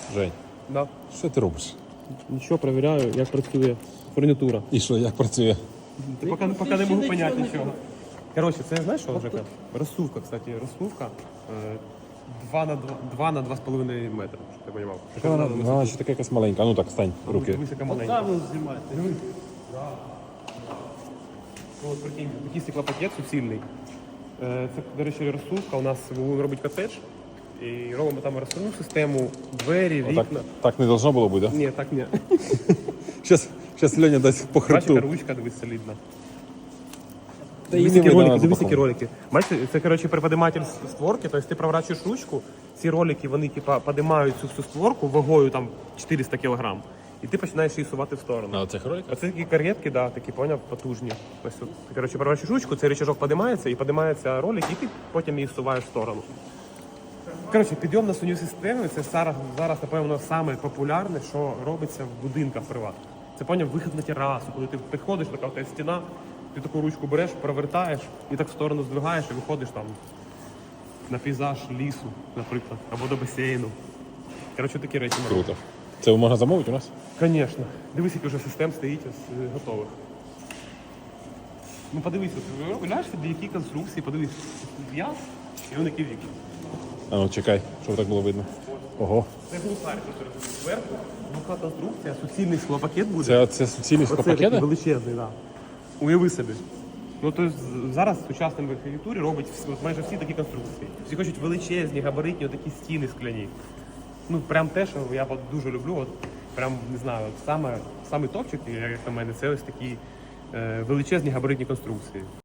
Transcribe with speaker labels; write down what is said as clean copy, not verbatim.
Speaker 1: Жень,
Speaker 2: Да.
Speaker 1: що ти робиш?
Speaker 2: Нічого, перевіряю, як працює фурнітура.
Speaker 1: І що, як працює?
Speaker 2: Ти поки не можу поняти нічого. Коротше, це знаєш що, Жека? Розсувка, кстати, розсувка 2 на 2,5 метри, щоб ти розумів.
Speaker 1: Така вона ще така якась маленька. А ну так, стань, руки.
Speaker 2: Дивись, яка маленька.
Speaker 3: Там ви знімаєте.
Speaker 2: Дивись. Ну, от прикинь, такий стеклопакет суцільний. Це, до речі, розсувка. У нас будемо робити котедж. І робимо там розсувну систему, двері,
Speaker 1: Отак,
Speaker 2: вікна.
Speaker 1: так не должно було бути, да?
Speaker 2: Ні, так ні.
Speaker 1: Щас Льоня дасть по
Speaker 2: Бачиш,
Speaker 1: хребту.
Speaker 2: яка ручка, дивись, солідна.
Speaker 1: Та її
Speaker 2: Дивись,
Speaker 1: не
Speaker 2: які
Speaker 1: видно,
Speaker 2: ролики,
Speaker 1: вона
Speaker 2: дивись, які
Speaker 1: запакована.
Speaker 2: ролики. Бачите, це, коротше, приподиматель створки, тобто ти проворачуєш ручку, ці ролики, вони, типа, подимають цю всю створку вагою, там, 400 кг. І ти починаєш її сувати в сторону.
Speaker 1: А оцих роликах?
Speaker 2: Оце такі кар'єтки, да, такі, поняв, потужні. Ось тут. Ти, коротше, проворачуєш ручку, цей рычажок подимається, і подимається ролик, і ти потім її всуваєш в сторону. Коротше, підйом на суню системи, це зараз, напевно, саме популярне, що робиться в будинках приватних. Це, поняв, вихід на терасу, коли ти підходиш, така в тебе стіна, ти таку ручку береш, провертаєш і так в сторону здвигаєш і виходиш там на пейзаж лісу, наприклад, або до басейну. Коротше, такі речі ми робимо.
Speaker 1: Круто. Це можна замовити у нас?
Speaker 2: Звісно. Дивись, який вже систем стоїть ось, готових. Ну подивись, гляєш собі, які конструкції, подивись, я і вони які віки.
Speaker 1: А ну чекай, щоб так було видно. Ого.
Speaker 2: Це глухарь, тут зверху, глуха конструкція, суцільний склопакет буде.
Speaker 1: Це суцільні
Speaker 2: Оце такий
Speaker 1: склопакети?
Speaker 2: величезний, так. Да. Уяви собі. Ну, тобто зараз в сучасному архітектурі робить майже всі такі конструкції. Всі хочуть величезні, габаритні, такі стіни скляні. Ну, прям те, що я дуже люблю, от, прям, не знаю, от саме топчик, як на мене, це ось такі величезні габаритні конструкції.